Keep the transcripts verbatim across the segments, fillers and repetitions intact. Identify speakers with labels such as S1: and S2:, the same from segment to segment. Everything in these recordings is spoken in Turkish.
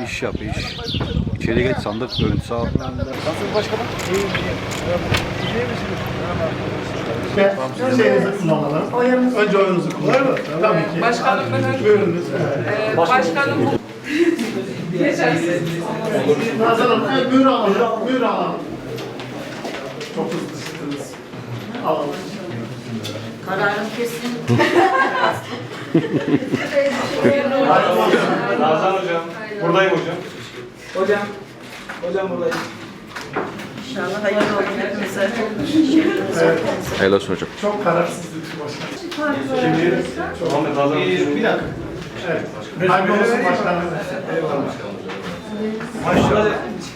S1: iş yap iş. İçeri geç, sandık görüntüsü al. Nasılsınız başkanım? İyiyim, iyiyim. İyi misiniz?
S2: İşte şeyinizi kullanalım. Önce oyunuzu kullanalım. Tabii ki.
S3: Başkanım ben önce...
S2: Buyurunuz.
S3: Ee, başkanım bu...
S2: Nazan Hanım, evet, buyurun alalım. Buyurun alalım. Çok hızlı çıktınız. Alalım.
S4: Kararım kesin.
S5: Nazan hocam. Buradayım hocam.
S3: Hocam. Hocam buradayım.
S4: İnşallah hayırlı olsun hepimize.
S2: Evet.
S1: Helal olsun hocam.
S2: Çok kararsızlık başkanım.
S5: Şimdi Muhammed Nazan hocam.
S2: Bir dakika. Evet. Hayırlı olsun başkanım.
S5: Maşallah.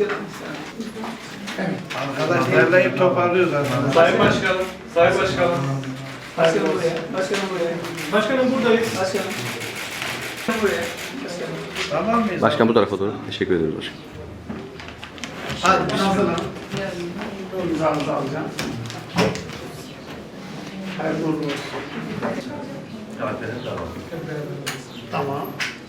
S2: Arkadaş derleyip toparlıyoruz aslında.
S5: Sayın Başkanım. Sayın Başkanım.
S3: Başkanım buraya. Başkanım buraya.
S5: Başkanım buradayız.
S3: Başkanım. Buraya. Başkanım.
S2: Tamam mıyız?
S1: Başkan bu tarafa doğru. Teşekkür ederiz başkan.
S2: Hadi Nazan Hanım. İmzanızı alacağım. Hayırlı uğurlu olsun. Tamam.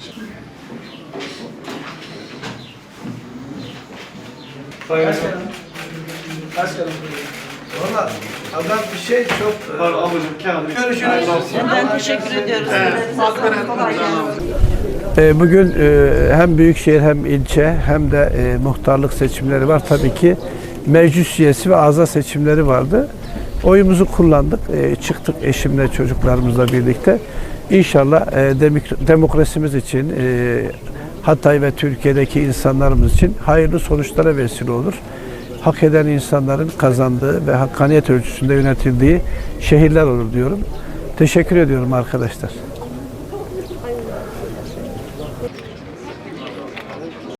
S5: Sayın
S3: Başkanım. Başkanım buraya.
S6: Valla adam bir şey çok...
S5: Pardon ablacığım kağıdı.
S6: Görüşürüz.
S4: Ben teşekkür ediyoruz. Kolay gelsin.
S6: Bugün hem büyükşehir hem ilçe hem de muhtarlık seçimleri var. Tabii ki meclis üyesi ve azat seçimleri vardı. Oyumuzu kullandık. Çıktık eşimle, çocuklarımızla birlikte. İnşallah demokrasimiz için, Hatay ve Türkiye'deki insanlarımız için hayırlı sonuçlara vesile olur. Hak eden insanların kazandığı ve hakkaniyet ölçüsünde yönetildiği şehirler olur diyorum. Teşekkür ediyorum arkadaşlar.